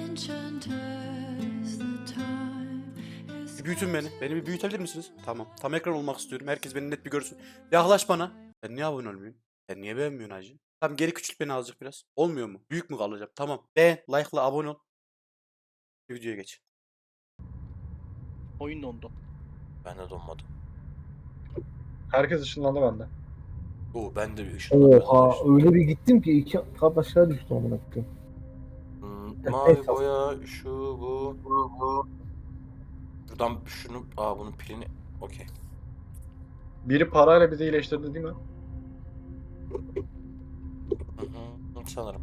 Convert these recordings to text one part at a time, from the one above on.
Bir büyütün beni. Beni bir büyütebilir misiniz? Tamam. Tam ekran olmak istiyorum. Herkes beni net bir görsün. Yaklaş bana. Ben niye abone olmuyorum? Sen niye beğenmiyorsun hacı? Tamam geri küçült beni azıcık biraz. Olmuyor mu? Büyük mü kalacağım? Tamam. Beğen, like'la abone ol. Videoya geç. Oyun dondu. Ben de donmadım. Herkes ışınlandı bende. Oo ben de bir ışınlandım. Oha öyle bir gittim ki iki kat aşağı düştüm amına koyayım. Mavi boya şu bu. Buradan şunu bunun pilini okey. Biri parayla bizi iyileştirdi değil mi? Sanırım.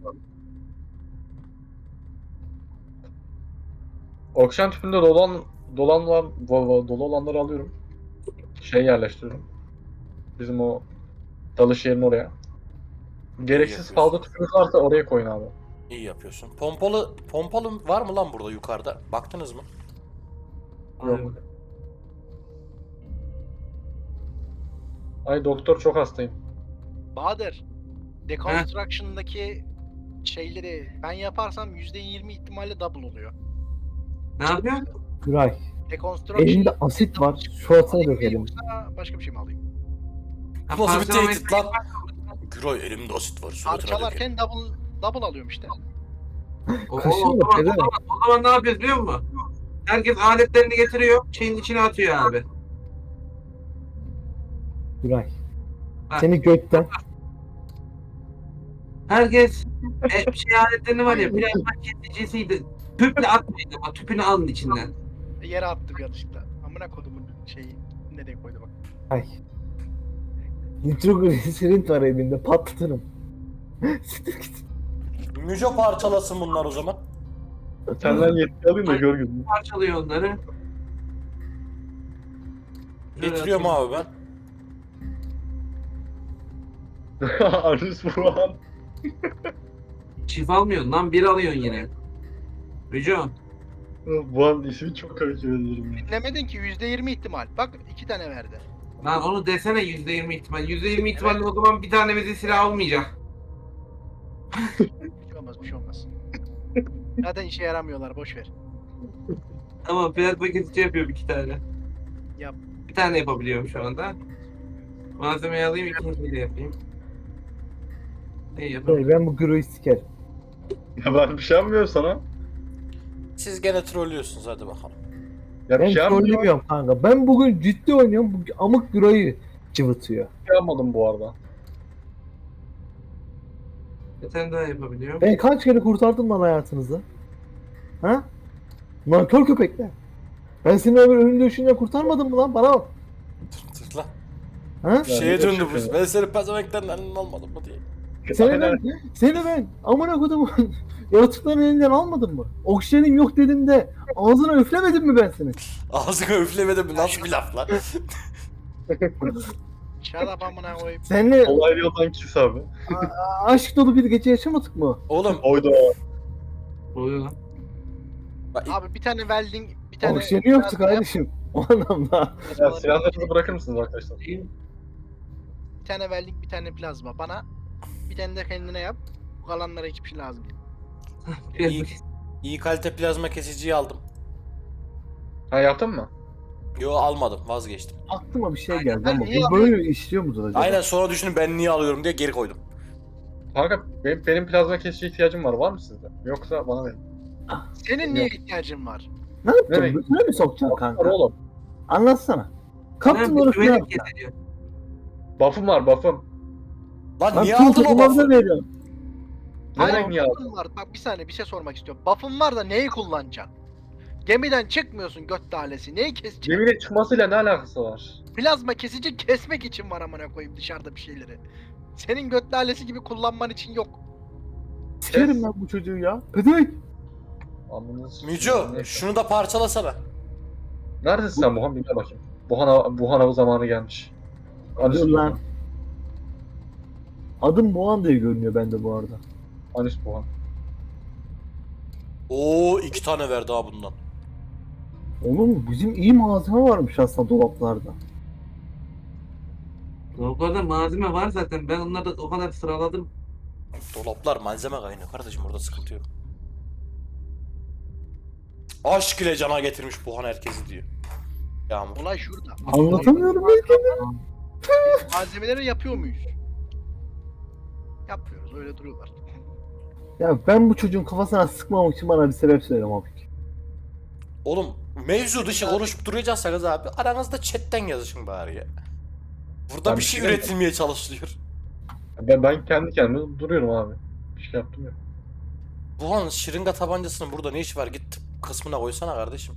Oksijen tüpünde dolu olanları alıyorum. Yerleştiriyorum. Bizim o dalış yerinin oraya. Gereksiz yapıyorsun. fazla tüpümüz varsa oraya koyun abi. İyi yapıyorsun. Pompalı var mı lan burada yukarıda? Baktınız mı? Yok. Ay doktor çok hastayım. Bahadır, Deconstruction'daki şeyleri ben yaparsam %20 ihtimalle double oluyor. Ne yapıyorsun? Güray. Deconstruction Elinde asit var. Şu atına alayım mı dökelim. yoksa başka bir şey mi alayım? Bu nasıl bir Parçalamayı- tehdit lan? Güray elimde asit var. Suratına dökerim. Parçalarken double alıyorum işte. Kaşınma, o zaman, pezevenk. o zaman ne yapıyoruz biliyor musun? Herkes aletlerini getiriyor, şeyin içine atıyor abi. Güray. Ha. Seni gökten. Herkes aletlerini var ya, plasma kesicisiydi. Tüple atmayın ama tüpünü alın içinden. Yere attım yanlışlıkla. Amına kodumun şeyi nereye koydu bak. Ay. Nitrogliserin var elimde patlatırım. Siktir git. Müco parçalasın bunlar o zaman. Senden yetki alayım da gör gözünü. Parçalıyor onları. Getiriyorum abi ben. Arus Burhan. Çift almıyorsun lan, bir alıyorsun yine. Rico. Burhan ismi çok komik ederim ya. Dinlemedin ki %20 ihtimal. Bak 2 tane verdi. Lan onu desene %20 ihtimal. %20 ihtimalle o zaman bir tane bize silah almayacak. Bir şey olmaz, bir şey olmaz. Zaten işe yaramıyorlar, boş ver. Ama plasma kesici yapıyorum 2 tane. Yap. Bir tane yapabiliyorum şu anda. Malzemeyi alayım, ikinciyi de yapayım. Ne yapayım? Güray, ben bu Güray'ı sikerim. Ya ben bir şey yapmıyorum sana. Siz gene trollüyorsunuz hadi bakalım. Ya bir Ben şey yapmıyorum. trollemiyorum kanka. Ben bugün ciddi oynuyorum. Bu amık Güray'ı cıvıtıyor. Bir şey yapmadım bu arada. Bir tane daha yapabiliyorum. Ben kaç kere kurtardım lan hayatınızı? Ha? Nankör köpekler. Ben seni öbür önünde düşünce kurtarmadım mı lan? Bana bak. Dur lan. Ha? Şeye döndü bu. Ben seni pezevenklerin elinden almadım mı diye. Seni ben amına kodumun yaratıkların elinden almadım mı? Oksijenim yok dedim de ağzına üflemedim mi ben seni? Ağzına üflemedim mi? Nasıl bir laf lan? Şarap amına koyayım. Seninle Olay yoldan kis abi. aşk dolu bir gece yaşamadık mı? Oğlum Oydu. Oluyor lan. bak, Abi bir tane welding, bir tane... Oksijeni yoktu kardeşim. O anlamda. Ya silahlarınızı bırakır mısınız arkadaşlar? İyi. Bir tane welding, bir tane plazma. Bana bir tane de kendine yap. Bu kalanlara hiçbir şey lazım değil. iyi kalite plazma kesiciyi aldım. Ha yaptın mı? Yo almadım vazgeçtim. Aklıma bir şey Aynen, geldi ben ama niye bu böyle işliyor mudur acaba? Aynen sonra düşünün ben niye alıyorum diye geri koydum. Kanka benim plazma kesici ihtiyacım var. Var mı sizde? Yoksa bana verin. Senin niye ihtiyacın var? Ne yapacaksın? Nereye? Götüne mi sokacaksın Var kanka? oğlum. Anlatsana. Kaptın Bir onu güvenlik falan. getiriyor. Buff'ım var buff'ım. Lan Lan niye tüm aldın o takımlarda buff'ı? veriyorum. Nereye niye aldın? buff'ın var. Bak bir saniye bir şey sormak istiyorum. Buff'ın var da neyi kullanacaksın? Gemiden çıkmıyorsun göt talesi. Neyi keseceksin? Gemine çıkmasıyla ne alakası var? Plazma kesici kesmek için var amına koyayım dışarıda bir şeyleri. Senin göt talesi gibi kullanman için yok. Sikerim ben bu çocuğu ya. Pedevenk. Anladınız. Müco şunu da parçalasana. Neredesin sen Buhan? Bir gel bakayım. Buhan avı zamanı gelmiş. Anüs Dur Buhan. lan. Adım Boğan diye görünüyor bende bu arada. Anüs Buhan. Oo 2 tane verdi ha bundan. Oğlum bizim iyi malzeme varmış aslında dolaplarda. Dolaplarda malzeme var zaten. Ben onları da o kadar sıraladım. Dolaplar malzeme kaynıyor kardeşim orada sıkıntı yok. Aşk ile cana getirmiş Buhan herkesi diyor. Yağmur. Olay şurada. Anlatamıyorum belki de. Biz malzemeleri yapıyor muyuz? Yapmıyoruz. Öyle duruyorlar. Ya ben bu çocuğun kafasına sıkmamak için bana bir sebep söyle abi. Oğlum mevzu dışı konuşup duracaksanız abi aranızda chatten yazışın bari ya. Burada Ben bir bir şey şey üretilmeye çalışılıyor. Ben kendi kendime duruyorum abi. Bir şey yaptım ya. Buhan şırınga tabancasının burada ne işi var? Git tıp kısmına koysana kardeşim.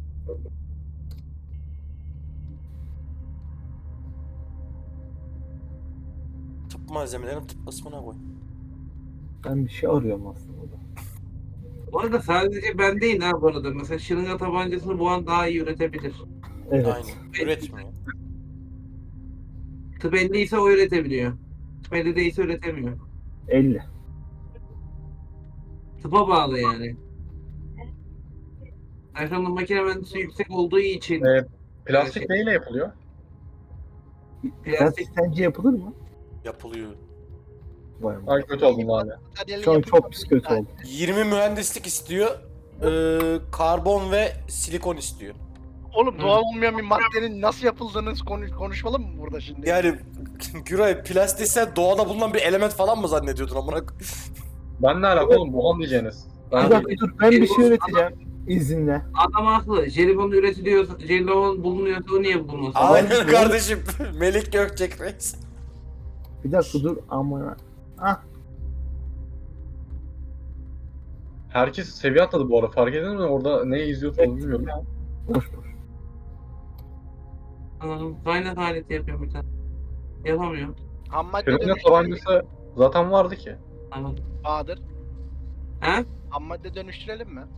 Tıp malzemelerini tıp kısmına koy. Ben bir şey arıyorum aslında. Bu arada sadece ben değil ha bu arada. Mesela şırınga tabancasını bu an daha iyi üretebilir. Evet. Aynen. Üretmiyor. Tıp 50 ise o üretebiliyor. Tıp 50 değilse üretemiyor. 50. Tıpa bağlı yani. Erkan'ın makine mühendisi yüksek olduğu için Plastik neyle yapılıyor? plastik Plastik sence yapılır mı? Yapılıyor. Vay be. Ay kötü oldum abi. Materyalin Şu an yapımı- çok pis kötü oldu. 20 mühendislik istiyor. Karbon ve silikon istiyor. Oğlum doğal olmayan bir maddenin nasıl yapıldığını konuşalım mı burada şimdi? Yani Güray plastik sen doğada bulunan bir element falan mı zannediyordun amına koyayım? Ben ne alaka oğlum Buhan diyeceğiniz. Bir Ben dakika dur ben bir şey üreteceğim. İzinle. adam haklı. Jelibon üretiliyorsa, jelibon bulunuyorsa o niye bulunmasın? Aynen kardeşim. Melik Gökçek Reis. Bir dakika dur ama. Ah herkes seviye atladı bu arada. Fark edin mi? Orada ne izliyorsunuz bilmiyorum. boş boş. Kaynak aleti yapıyorum bir tane. Yapamıyorum. Ham madde Şırınga dönüştürelim tabancası zaten vardı ki. Tamam. Bahadır. He? Ham madde dönüştürelim mi?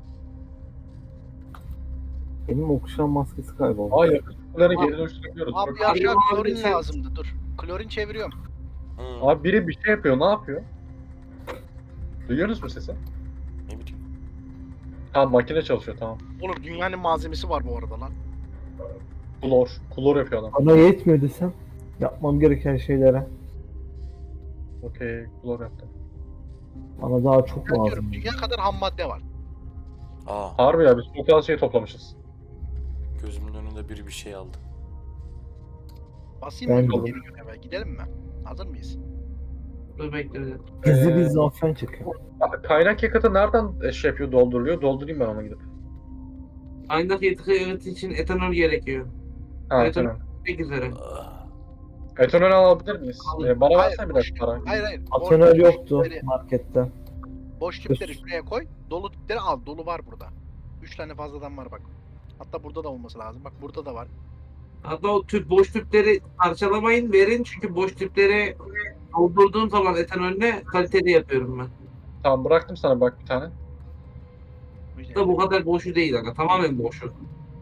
Benim okşan maskesi kayboldu. Aa yakıtları geri dönüştürebiliyoruz. Abi Bak, ya aşağı Abi, klorin sen- lazımdı dur. Klorin çeviriyorum. Abi biri bir şey yapıyor. Ne yapıyor? Duyuyorsunuz mu sesi? Ne bileyim. Tamam makine çalışıyor tamam. Oğlum dünyanın malzemesi var bu arada lan. Klor. Klor yapıyor adam. Bana yetmiyor desem yapmam gereken şeylere. Okey klor yaptı. Bana daha çok Ben lazım. diyorum dünya kadar ham madde var. Aa, Harbi ya biz çok az şey toplamışız. gözümün önünde biri bir şey aldı. Basayım Ben mı? de. Geri göreve gidelim mi? Hazır mıyız? Dur bekle. Gizli bir zafen çıkıyor. Kaynak yakıtı nereden şey yapıyor dolduruluyor? Doldurayım ben ona gidip. Kaynak yakıtı için etanol gerekiyor. Ha Evet, tamam. Pek üzere. Ah, Etanol alabilir miyiz? Alın. Bana Hayır, versene bir boş- dakika para. Hayır. Atonel Boş yoktu tüpleri- markette. Boş tüpleri şuraya koy. Dolu tüpleri al. Dolu var burada. 3 tane fazladan var bak. Hatta burada da olması lazım. Bak burada da var. Hatta o boş tüpleri parçalamayın verin çünkü boş tüpleri doldurduğum zaman etanolüne kaliteli yapıyorum ben. Tamam bıraktım sana bak bir tane. Da bu kadar boşu değil aga tamamen boşu.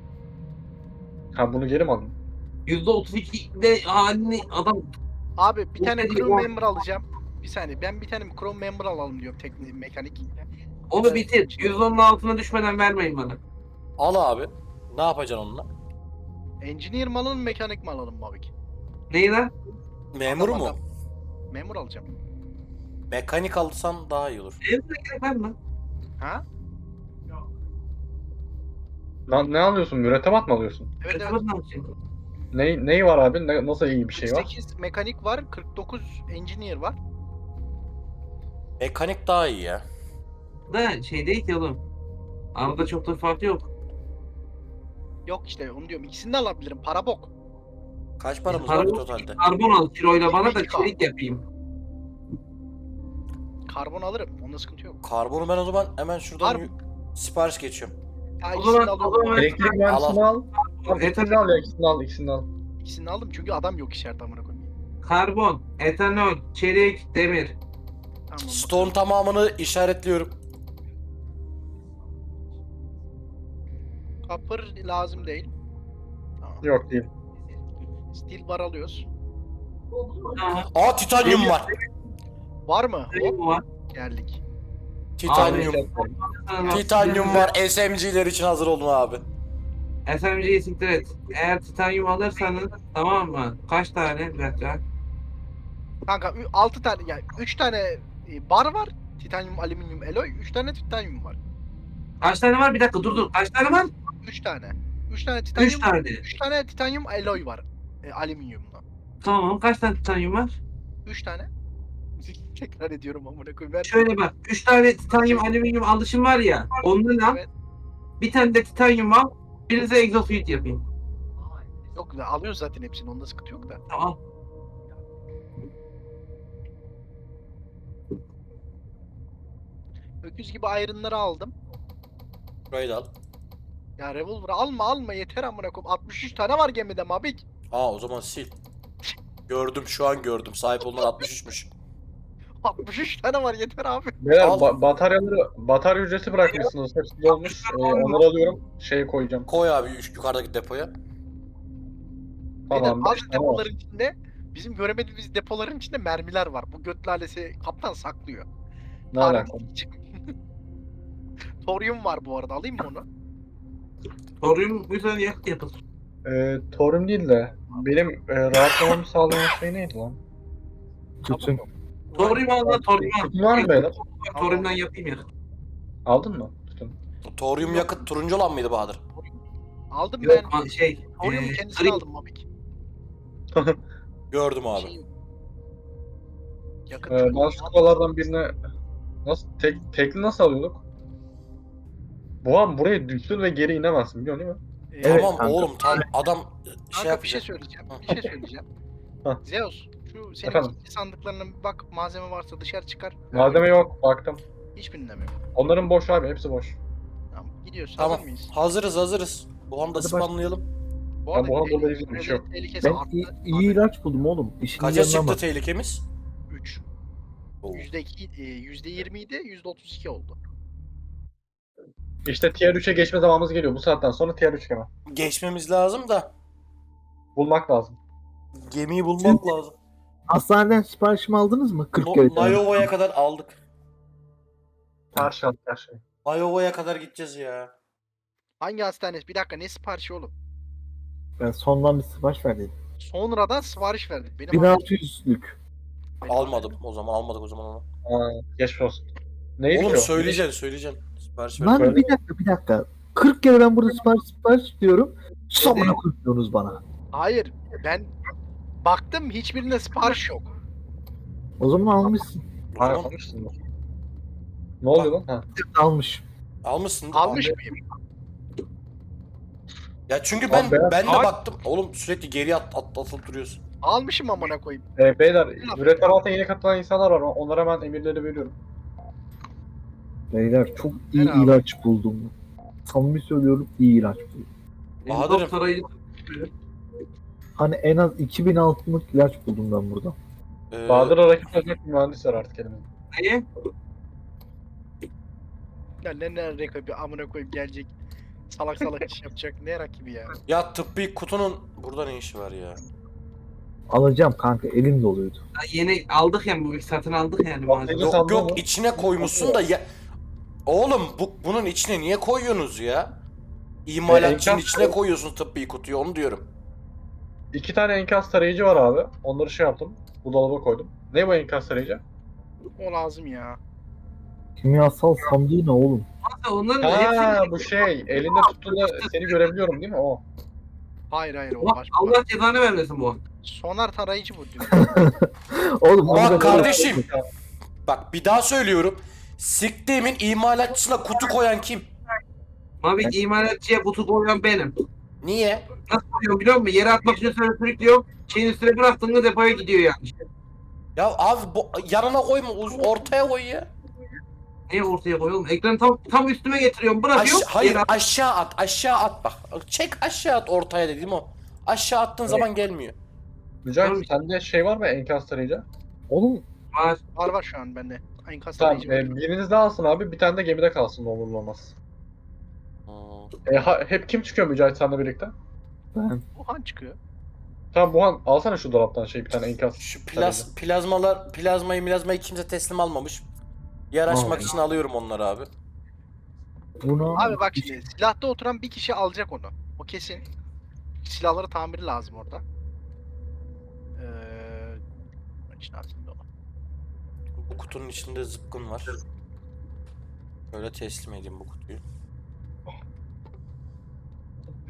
Ha bunu geri mi aldın? %32'de halini adam Abi bir tane Yok, chrome yok. member alacağım. Bir saniye ben bir tane chrome member alalım diyorum teknik mekanik. onu bitir. %10'un altına düşmeden vermeyin bana. al abi. Ne yapacaksın onunla? Engineer mi alalım mekanik mi alalım Mavik? Neyi lan? Memur Adam, mu? adam. Memur alacağım. Mekanik alırsan daha iyi olur. Evde gerek var mı? Ha? Ne alıyorsun? Mürettebat mı alıyorsun? Evet evet. Etanol ne yapacağım? Neyi var abi? Nasıl iyi bir şey var? 48 mekanik var, 49 engineer var. Mekanik daha iyi ya. Da şey değil ki oğlum. Arada çok da fark yok. Yok işte onu diyorum. İkisini de alabilirim. Para bok. Kaç paramız Para var yok. totalde? Karbon al kiloyla bana da 22K. çelik yapayım. Karbon alırım. Onda sıkıntı yok. Karbonu ben o zaman hemen şuradan Var. sipariş geçiyorum. Ya O ikisini zaman- de o alıyorum. zaman- Elektrik mühendisini al. Tamam ikisini al ya ikisini al. İkisini aldım çünkü adam yok içeride amına koyayım. Karbon, etanol, çelik, demir. Tamam. Stone tamamını işaretliyorum. Copper lazım değil. Tamam. Yok değil. Steel bar alıyoruz. Tamam. Aa titanyum var. Var mı? Hop Bu var. geldik. Titanyum. Tamam. Titanyum var. SMG'ler için hazır olun abi. SMG'yi siktir et. Eğer titanyum alırsanız tamam mı? Kaç tane? Bir dakika. Kanka 6 tane yani 3 tane bar var. Titanyum, alüminyum, alloy. 3 tane titanyum var. Kaç tane var? Bir dakika dur. Kaç tane var? 3 tane. 3 tane titanyum. 3 tane. 3 tane titanyum alloy var. Alüminyumla. Tamam. Kaç tane titanyum var? 3 tane. Tekrar ediyorum amına koyayım. Ver. Şöyle bak. 3 tane titanyum alüminyum alışım var ya. Ondan al. Evet. Bir tane de titanyum al. Birinize exosuit yapayım. Yok da alıyoruz zaten hepsini. Onda sıkıntı yok da. Tamam. Öküz gibi ayrınları aldım. Burayı da al. Ya revolver alma yeter amına koyayım. 63 tane var gemide Mabik. Aa o zaman sil. Gördüm, şu an gördüm. Sahip olunan 63'müş. 63 tane var yeter abi. Beyler Al. batarya ücreti bırakmışsınız. Hepsi dolmuş. Onları alıyorum. Şeye koyacağım. Koy abi yukarıdaki depoya. Beyler Tamam. bazı 5 tane var. depoların içinde bizim göremediğimiz depoların içinde mermiler var. Bu göt lalesi kaptan saklıyor. Ne Tarih alaka? için. Toryum var bu arada alayım mı onu? Soruyorum bu yüzden yapın. Torum değil de benim rahatlamamı sağlayan şey neydi lan? Tütün. Soruyorum al lan soruyorum al. Tütün var mı beyler? Soruyorumdan yapayım ya. Aldın mı? Tütün. Toryum yakıt turuncu olan mıydı Bahadır? Aldım Yok ben. Toryumun kendisini gri. aldım Mabik. Gördüm abi. Şey, yakıt Ben skubalardan birine tekli nasıl alıyorduk? Buhan buraya düştün ve geri inemezsin biliyorsun değil mi? Evet, Tamam kanka. oğlum tam adam şey Kanka bir şey yapacak. söyleyeceğim. Hı. Bir şey söyleyeceğim. Hah. Zeus şu senin Efendim? kilitli sandıklarına bir bak, malzeme varsa dışarı çıkar. Malzeme yok baktım. Hiçbirinde mi yok? Onların boş abi hepsi boş. Tamam gidiyoruz. Tamam. Hazır mıyız? Hazırız. Bu anda Hadi spamlayalım. Bu Ya arada bu arada tehlikeli- böyle ilgili bir şey yok. tehlikesi Ben arttı. iyi ilaç buldum oğlum. İşin Kaça yanına çıktı bak. tehlikemiz? 3. Oo. %20 idi, %32 oldu. İşte tier 3'e geçme zamanımız geliyor. Bu saatten sonra tier 3 hemen. Geçmemiz lazım da Bulmak lazım. gemiyi bulmak lazım. Hastaneden siparişimi aldınız mı? 40 kere. Nayova'ya kadar aldık. Her şey her şey. Nayova'ya kadar gideceğiz ya. Hangi hastanesi? Bir dakika ne siparişi oğlum? Ben sondan bir sipariş verdim. Sonradan sipariş verdim. Benim 1600'lük. Almadım o zaman, almadık o zaman onu. Geçmiş olsun. Neydi ki Oğlum o? söyleyeceksin. Sipariş ver. Lan Böyle- bir dakika. 40 kere ben burada sipariş diyorum. Sonra koyuyorsunuz bana. Hayır ben baktım hiçbirinde sipariş yok. O zaman almışsın. O Ha, zaman almışsın mı? Ne oluyor lan? Ha. Almış. almışsın. Almış mıyım? Ya çünkü Abi ben de Abi- baktım. Oğlum sürekli geri atılıp duruyorsun. Almışım amına koyayım. Beyler, mürettebatına yeni katılan insanlar var. Onlara ben emirleri veriyorum. Beyler çok iyi Ver abi. ilaç buldum. Samimi söylüyorum iyi ilaç buldum. Bahadır'ım. Sarayı Hani en az 2000 altınlık ilaç buldum ben burada. Bahadır'a rakip olacak bir mühendis var artık elimizde. neye? Ya ne rakibi amına koyayım gelecek. Salak salak iş yapacak. Ne rakibi ya? Ya tıbbi kutunun burada ne işi var ya? Alacağım kanka elim doluydu. Yeni aldık yani bu satın aldık yani. Bak, malzeme. Yok, Yok sandım içine koymuşsun da ya. Oğlum bunun içine niye koyuyorsunuz ya? İmalatçının enkaz- içine koyuyorsun tıbbi kutuyu, onu diyorum. 2 tane enkaz tarayıcı var abi. Onları şey yaptım. Bu dolaba koydum. Ne bu enkaz tarayıcı? O lazım ya. Kimyasal sandığı ne oğlum? Hatta onların Ha hepsini bu şey. Elinde tuttuğunda seni görebiliyorum değil mi? O. Hayır o Allah, başka. Allah cezanı vermesin bu. Sonar tarayıcı bu diyor. Oğlum Bak bunu da- kardeşim. Bak bir daha söylüyorum. Siktiğimin imalatçısına kutu koyan kim? Abi imalatçıya butu koyan benim. Niye? Nasıl koyuyorum biliyor musun? Yere atmak için sana sürüklüyorum. Şeyin üstüne bıraktığında depoya gidiyor yani. Ya abi yanına koyma, ortaya koy ya. Niye ortaya koyuyorum? Ekranı tam üstüme getiriyorum. Bırakıyorum. Hayır yere aşağı at bak. Çek aşağı at, ortaya dedim o. Aşağı attığın zaman gelmiyor. Mücahit sende şey var mı enkaz tarayıcı? Oğlum var. Var şu an bende. Enkaz Tamam. tarayıcı var. Biriniz de alsın abi. Bir tane de gemide kalsın ne olur ne olmaz. Hep kim çıkıyor Mücahit seninle birlikte? ben Wuhan çıkıyor. Tamam Buhan alsana şu dolaptan şey bir tane enkaz. Şu plazmayı kimse teslim almamış. Yer açmak Aa. için alıyorum onları abi. bunu Abi bak şimdi silahta oturan bir kişi alacak onu. O kesin. Silahları tamiri lazım orada. İçine atayım da onu. Bu kutunun içinde zıpkın var. Böyle teslim edeyim bu kutuyu.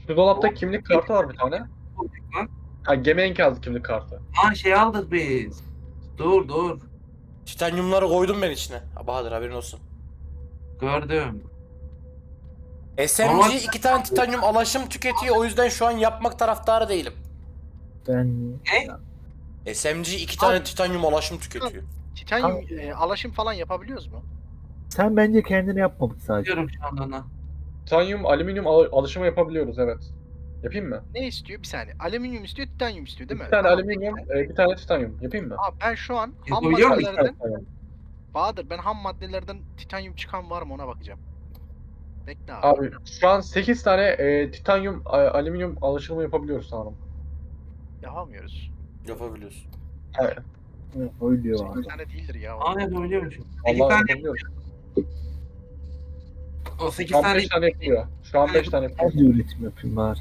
Şu dolapta kimlik kartı var bir tane. Lan. Ha, gemi enkazı kimlik kartı. Aa şey aldık biz. Dur. Titanyumları koydum ben içine. Ha, Bahadır haberin olsun. Gördüm. SMG Ama- 2 tane titanyum alaşım tüketiyor. O yüzden şu an yapmak taraftarı değilim. Ben SMG 2 tane titanyum alaşım tüketiyor. Titanyum alaşım falan yapabiliyoruz mu? sen bence kendini yapmadık sadece. Diyorum şu anda ona. Titanyum, alüminyum alışımı yapabiliyoruz, evet. Yapayım mı? Ne istiyor? Bir saniye. Alüminyum istiyor, titanyum istiyor değil mi? Bir tane Tamam, alüminyum, bekle. bir tane titanyum. Yapayım mı? Abi ben şu an ham Yapabiliyor muyum? İki tane maddelerden titanyum. Bahadır, ben ham maddelerden titanyum çıkan var mı ona bakacağım. Bekle abi. Abi şu an 8 tane titanyum, alüminyum alışımı yapabiliyoruz sanırım. Yapamıyoruz. Yapabiliyorsun. Evet. Öyle diyor 8 abi. tane değildir ya. Aa yapabiliyormuşum. 8 Allah tane, yapabiliyoruz. o 8 Şu an tane 5 tane yapılıyor. Şu an 5 tane yapılıyor. Ben de üretim yapayım bari.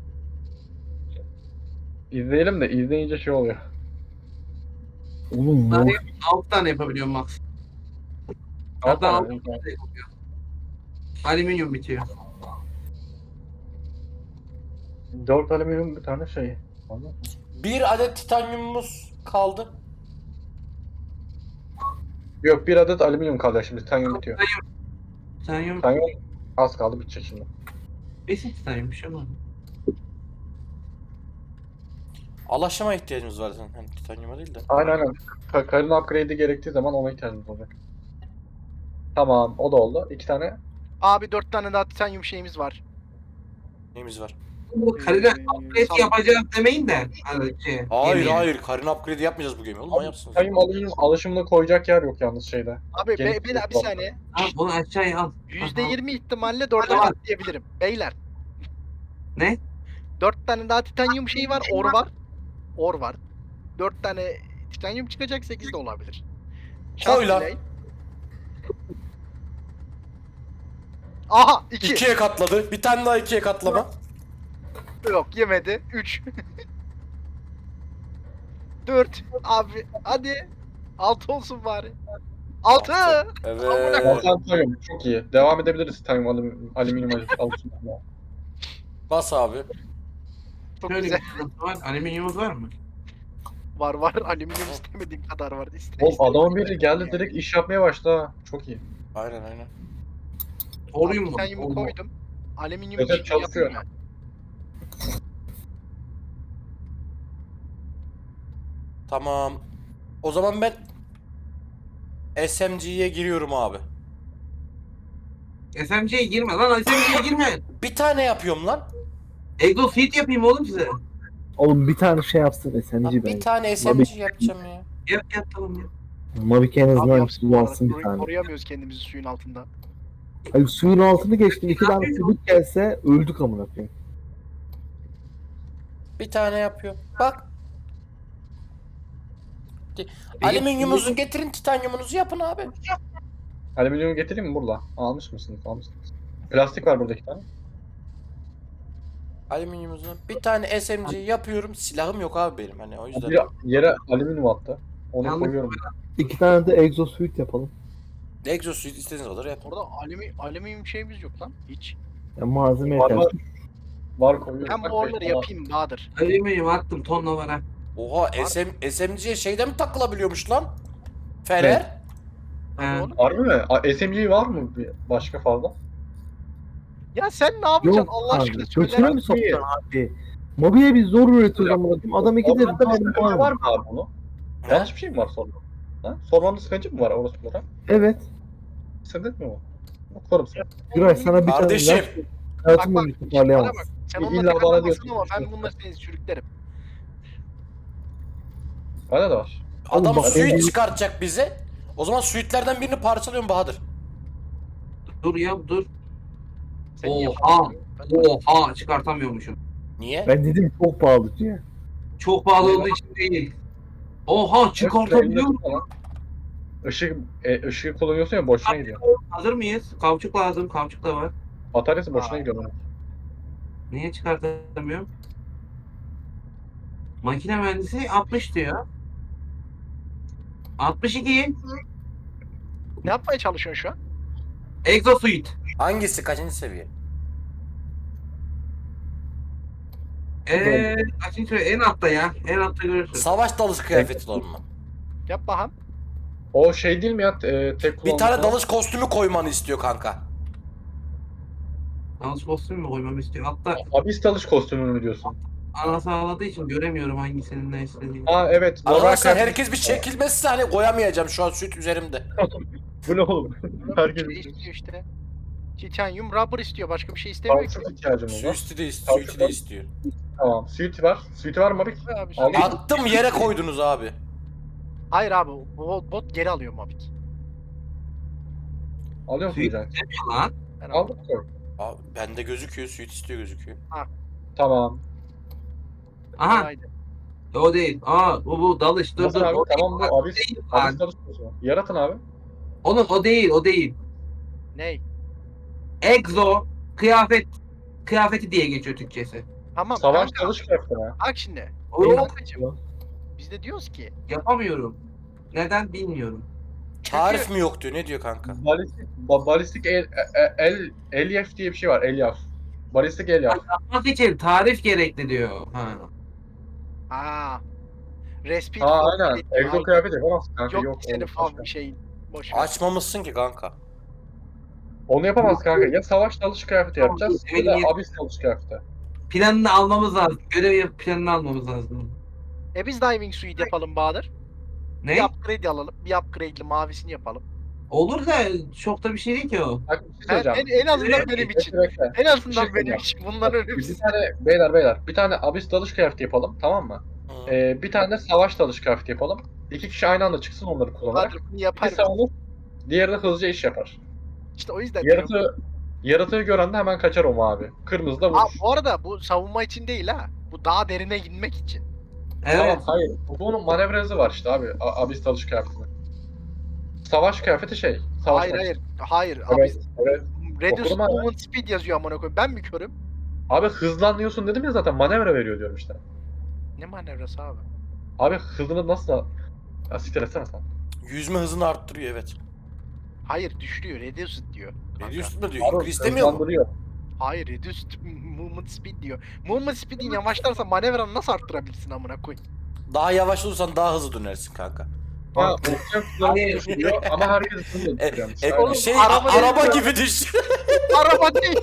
İzleyelim de izleyince şey oluyor. Oğlum tane- bu 6 tane yapabiliyorum max. Al Hatta sana, 6 tane yapıyor. Alüminyum bitiyor. 4 alüminyum bir tane şey. Anladın mı? Bir adet titanyumumuz kaldı. Yok, bir adet alüminyum kalacak şimdi. Titanyum bitiyor. Titanyum. Titanyum az kaldı, bitecek şimdi. Besin titanyummuş ama. Alaşıma ihtiyacımız var zaten. Hani titanyuma değil de. Aynen. Karın upgrade'i gerektiği zaman ona ihtiyacımız olacak. Tamam, o da oldu. 2 tane. Abi 4 tane daha titanyum şeyimiz var. Neyimiz var? Bu karıyla sağ- upgrade yapacağız demeyin de. Hani şey, Hayır yemeğe. hayır. Karın upgrade yapmayacağız bu gemi. Oğlum manyaksınız. Titanyum alüminyum alışımını koyacak yer yok yalnız şeyde. Abi Gelip bir yok. saniye. Al bunu aşağıya al. %20 ihtimalle 4'e Tamam. katlayabilirim. Beyler. Ne? 4 tane daha titanyum şeyi var, or var. Or var. 4 tane titanyum çıkacak, 8 de olabilir. Koy lan. delay. Aha 2. 2'ye katladı. Bir tane daha 2'ye katlama. Yok yemedi. 3. 4. Abi hadi. 6 olsun bari. 6. Evet. Altan titanyum çok iyi. Devam edebiliriz titanyum alüminyum alışımına. Bas abi. Çok Şöyle güzel. bir sıkıntı var. Alüminyumumuz var mı? Var. Alüminyum istemediğim kadar var. Oğlum adamın biri geldi direkt iş yapmaya başladı ha. Çok iyi. Aynen aynen. Oryum mu? Titanyumu koydum. Alüminyum Evet, işini çalışıyor. yapayım mı? Tamam. O zaman ben SMG'ye giriyorum abi. SMC'ye girme lan, SMC'ye girme. Bir tane yapıyorum lan. Exosuit yapayım oğlum size. Oğlum bir tane şey yapsın Lan SMG bir bence. tane SMG yapacağım ya. Yap tamam ya. Mavic en Abi azından yapsın, kullansın bir tane. koruyamıyoruz kendimizi suyun altında. Hayır suyun altını geçtim. 2 tane çubuk gelse öldük amına koyayım. Bir tane yapıyorum. Bak. Alüminyumunuzu getirin, titanyumunuzu yapın abi. Alüminyum getireyim mi burada? Almış mısınız? Almışsınız. Plastik var burada 2 tane. Alüminyumunuzu bir tane SMG yapıyorum. Silahım yok abi benim hani o yüzden. Bir yere alüminyum attı. Onu Yalnız- koyuyorum. 2 tane de exosuit yapalım. Exosuit istediğiniz kadar yapın. Orada alüminyum şeyimiz yok lan. Hiç. Ya malzeme Var, yeter. var. Var koyuyorum. Ben Bak, bu orları beş tane yapayım Bahadır. Alüminyum attım, tonla var ha. Oha SMG'ye şeyden mi takılabiliyormuş lan? Fener. Hadi oğlum. var. Harbi mi? SMG var mı bir başka fazla? Ya sen ne yapacaksın Yok Allah abi. aşkına Götüne söyle. mi sokacaksın abi? Mobilya biz zor üretiyoruz amına koyayım. Adam 2 de Orada bir sıkıntı var var. mı abi bunu? Yanlış bir şey mi var sorma? Ha? Sormanın sıkıntı mı var orospulara? Evet. Sıkıntı mı var? Okurum sana. Güray sana bir tane Kardeşim. ilaç hayatım Bak, boyunca Bana toparlayamaz. bak. Sen İlla onunla bana takılamazsın diyorsun. ama ben bununla seni sürüklerim. Bana da var. Adam bak, suit benim- çıkartacak bize. O zaman suitlerden birini parçalıyorum Bahadır. Dur ya dur. Sen Oha. yapamıyorsun. Oha çıkartamıyormuşum. Niye? Ben dedim çok pahalı diye. Çok pahalı olduğu için değil. Oha çıkartabiliyorum. Işığı kullanıyorsun ya boşuna gidiyor. Hazır mıyız? Kavçuk lazım. Kavçuk da var. Bataryası boşuna Aa. gidiyor. onun. Niye çıkartamıyorum? Makine mühendisi 60 diyor. 62. Ne yapmaya çalışıyorsun şu an? Exosuit. Hangisi? Kaçıncı seviye? Kaçıncı en altta ya. En altta görürsün. Savaş dalış kıyafeti var mı? Yap bakalım. O şey değil mi ya? Tek Bir kullanımlık tane olan? dalış kostümü koymanı istiyor kanka. Yalnız kostüm mü koymamı istiyor? Hatta Abis dalış kostümü mü diyorsun? ana sağladığı için göremiyorum hangisinin ne istediğini. Aa evet. normal Arkadaşlar kıyafet- herkes bir çekilmezse hani koyamayacağım şu an süt üzerimde. Bu ne oğlum? Herkes Şey istiyor işte. Titanium rubber istiyor. Başka bir şey istemiyor ki. Kalsın ihtiyacımız var. Suit'i de istiyor. Tamam. Suite var. Suite var mı abi? Abi, Al. Attım yere koydunuz abi. Hayır abi. Bot geri alıyor Mavik. Alıyor musun Suite- Can? Lan. Ben Al aldım. koy. Abi bende gözüküyor, suit istiyor gözüküyor. Tamam. Aha Haydi. o değil. Bu dalış. Dur Nasıl dur. abi? O Tamam değil. bu abis. Değil Abis lan. dalış kostümü. Yaratın abi. Oğlum o değil o değil. Ney? Exo kıyafeti diye geçiyor Türkçesi. Tamam Savaş kanka. dalış kıyafeti mi? Bak şimdi. O Kankacığım, biz de diyoruz ki yapamıyorum. Neden bilmiyorum. Tarif mi yok diyor, ne diyor kanka? Balistik elyaf diye bir şey var. Elyaf. Balistik elyaf. Yapmak için tarif gerekli diyor. Respil Aa for aynen. Fleet. Egzo Ay, kıyafet yapamazsın kanka. Yok, Yok. senin oğlum, falan başka. bir şeyin. Boş ver. Açmamışsın ki kanka. Onu yapamaz kanka. Ya savaş dalış kıyafeti Tamam, yapacağız ya benim da yerim- abis dalış kıyafeti. Planını almamız lazım. Görev planını almamız lazım. Biz diving suite yapalım Bahadır. Ne? Bir upgrade alalım. Bir upgrade'li mavisini yapalım. Olur da çok da bir şey değil ki o. Bak bir şey söyleyeceğim. En azından benim için. Bekle. En azından şey benim söyleyeceğim. için. Bundan Bir önemlisi. tane beyler bir tane abis dalış kıyafeti yapalım tamam mı? Hı. Bir tane de savaş dalış kıyafeti yapalım. İki kişi aynı anda çıksın onları kullanarak. Bahadır bunu Biri yapar. savunur, diğeri de hızlıca iş yapar. İşte o yüzden diyorum. Yaratığı gören de hemen kaçar o mavi. Kırmızı da Aa, vurur. bu arada bu savunma için değil ha. Bu daha derine inmek için. Tamam Evet. hayır. Bunun manevra hızı var işte abi. Abis dalış kıyafetinin. Savaş kıyafeti şey. Savaş Hayır. Abi Evet, evet. Reduce Okudum abi. movement speed yazıyor amına koyayım. Ben mi körüm? Abi hızlanıyorsun dedim ya zaten manevra veriyor diyorum işte. Ne manevrası abi? Abi hızını nasıl... Ya siktir etsene sen. Yüzme hızını arttırıyor, evet. Hayır düşürüyor. Reduced diyor. kanka. Reduce mu diyor? Abi İngiliz demiyor mu? hızlandırıyor. Hayır reduced movement speed diyor. Movement speed'in yavaşlarsa manevranı nasıl arttırabilirsin amına koyayım? Daha yavaş olursan daha hızlı dönersin kanka. Ha, okçam hızlandırıyor düşürüyor ama herkes hızlı düşürüyormuş. Aynen. Oğlum, Şey araba araba değil gibi düş. Araba değil.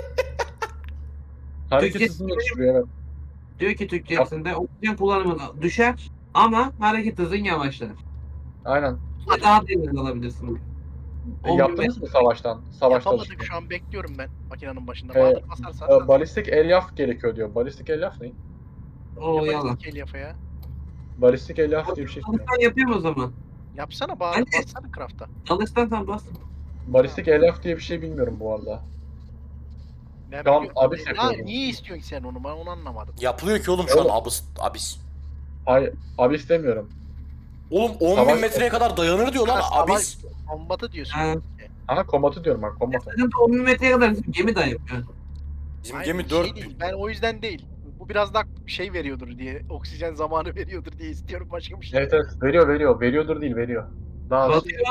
Hareket Türkçe- hızını düşürüyor evet. Diyor ki Türkçesinde oksijen kullanımı düşer ama hareket hızın yavaşlar. Aynen. Daha derin alabilirsin. Yaptınız mı savaştan? Savaş Yapamadık dalışını. şu an bekliyorum ben makinenin başında. Ee, Bahadır basarsa. Balistik elyaf gerekiyor diyor. Balistik elyaf ne? O yalan. Yafa ya. Balistik elyaf diye bir şey istiyor. Alıştan yapıyorum o zaman. Yapsana Bahadır Anne. bassana craft'a. Alıştan tam bas. Balistik elyaf diye bir şey bilmiyorum bu arada. Ben Tamam, biliyorum. abis Ya yapıyorum. niye istiyorsun ki sen onu? Ben onu anlamadım. Yapılıyor ki oğlum şu an Oğlum. abis. Hayır, abi istemiyorum. Oğlum 10.000 Savaş- metreye kadar dayanır diyor lan Ha, savaş- abis. Kombatı diyorsun. Ha. Ha kombatı diyorum ben kombatı. Sıkıntı 10 metreye kadar gemi de yapıyor. Bizim Hayır, gemi şey 4 değil, ben o yüzden değil. Bu biraz daha şey veriyordur diye, oksijen zamanı veriyordur diye istiyorum başka bir şey. Evet evet veriyor. Veriyordur değil veriyor. Daha hızlı. Batıyor.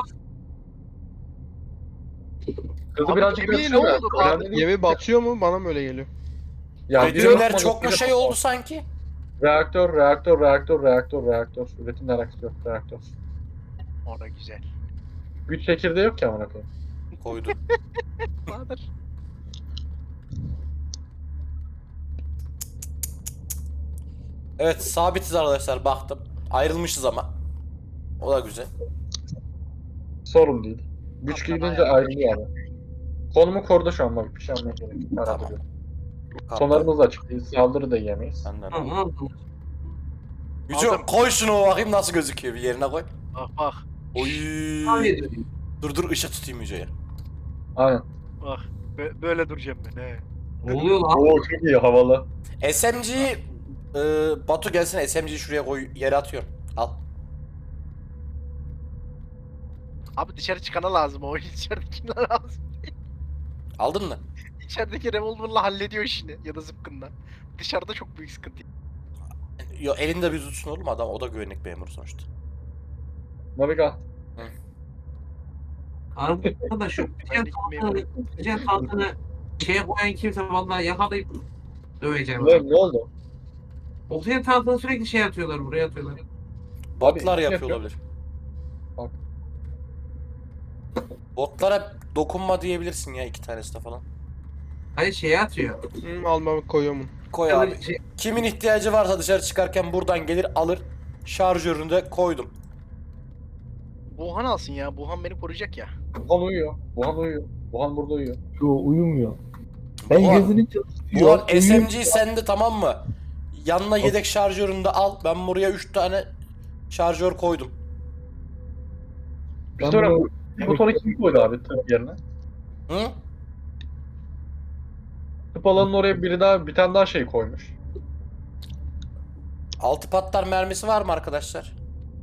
Hızı Abi birazcık gemiye götürüyor ne da. oldu? Önemli değil. Gemi batıyor mu? Bana mı öyle geliyor? Ya Üretimler biri çok mu biri- şey oldu sanki? Reaktör. Üretim reaktör. Orada güzel. Güç çekirdeği yok ki amına koyayım. Koydu. Bahadır. Evet sabitiz arkadaşlar baktım. Ayrılmışız ama. O da güzel. Sorun değil. Güç Tamam, gidince ayarlamış. ayrılıyor abi. Konumu korudu şu an bak bir şey anlamaya gerek yok. Merak Tamam. ediyorum. Kaptan. Sonlarımız açık değil. Saldırı da yiyemeyiz. Benden. Tamam aldım. Yüce Aldım. koy şunu bakayım nasıl gözüküyor bir yerine koy. Bak bak Oy. Tahmin ediyorum. Dur ışık tutayım Yüce'ye. Aynen. bak. Böyle duracağım ben he. Ne oluyor lan? Oo çok iyi havalı. SMG'yi Batu gelsin SMG'yi şuraya koy yere atıyorum. Al. Abi dışarı çıkana lazım o içeridekiler lazım. Aldın mı? İçerideki revolver'la hallediyor işini ya da zıpkınla. Dışarıda çok büyük sıkıntı. Yo elinde bir tutsun oğlum adam o da güvenlik memuru sonuçta. Naviga. Arada da şu oksijen tankını şeye koyan kimse vallahi yakalayıp döveceğim. Ne oldu? Oksijen tankını sürekli şey atıyorlar, buraya atıyorlar. Botlar Abi, yapıyor yapıyor. olabilir. Bak. Botlara dokunma diyebilirsin ya 2 tanesi de falan. Hayır şeye atıyor. Almamı koyuyorum onu. Koy abi. Şey, Kimin ihtiyacı varsa dışarı çıkarken buradan gelir alır. Şarjörünü de koydum. Buhan alsın ya. Buhan beni koruyacak ya. Wuhan uyuyor. Wuhan uyuyor. Wuhan burada uyuyor. Yo uyumuyor. Ben Buhan- gözünü Bu çalıştırıyor. an SMG sende, tamam mı? Yanına yedek şarjörünü de al. Ben buraya 3 tane şarjör koydum. Bir sonra bunu- bu sonra kim koydu abi tıp yerine? Hı? Tıp alanının oraya bir tane daha şey koymuş. 6 patlar mermisi var mı arkadaşlar?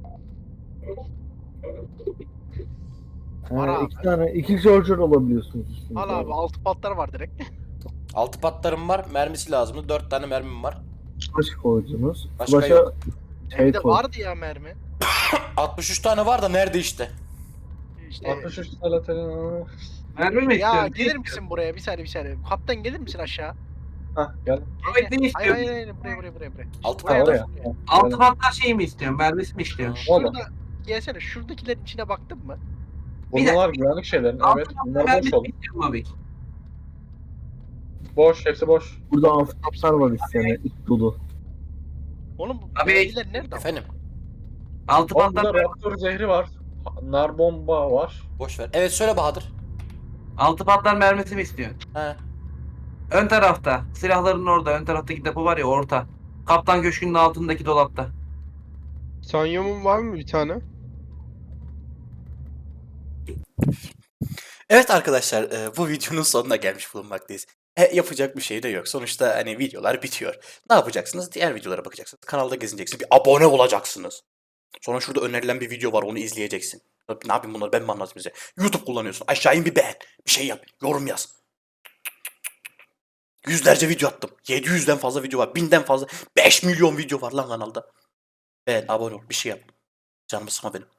Var abi. iki şarjör alabiliyorsunuz üstünde. Al abi 6 patlar var direkt. 6 patlarım var. Mermisi lazımdı. 4 tane mermim var. Flash koydunuz. Başka Flash'a yok. şey Bir de koy. vardı ya mermi. 63 tane var da nerede işte? İşte 63 salatın. mermi mi ya istiyorsun? gelir misin buraya bir saniye. Kaptan gelir misin aşağı? Hah gel. Ahmet ne Hayır istiyorsun? hayır buraya. 6 Ha, Buraya oraya. bak. Altı patlar şey mi istiyorsun? Mermisi mi istiyorsun? Orada. Şurada gelsene şuradakilerin içine baktın mı? Bunlar güvenlik şeylerin. Altı Evet. patlar Bunlar boş mermisi oldu. mi istiyorsun Mavik? Boş. Hepsi boş. Burada after var isteyene. İç dolu. Oğlum bu Abi- mermiler nerede? Efendim, Altı Oğlum patlar, burada Raptor zehri var. Nar bomba var. boş ver. Evet söyle Bahadır. altı patlar mermisi mi istiyorsun? He. Ön tarafta. Silahların orada. Ön taraftaki depo var ya orta. Kaptan Köşkü'nün altındaki dolapta. Sanyumum var mı bir tane? Evet arkadaşlar, bu videonun sonuna gelmiş bulunmaktayız. Yapacak bir şey de yok. Sonuçta hani videolar bitiyor. Ne yapacaksınız? Diğer videolara bakacaksınız. Kanalda gezineceksiniz. Bir abone olacaksınız. Sonra şurada önerilen bir video var, onu izleyeceksin. Ne yapayım bunları, ben mi anlatayım size? YouTube kullanıyorsun. Aşağı in bir beğen. Bir şey yap. Yorum yaz. Yüzlerce video attım. 700'den fazla video var. 1000'den fazla. 5 milyon video var lan kanalda. Beğen, abone ol. Bir şey yap. Canımı sıkma benim.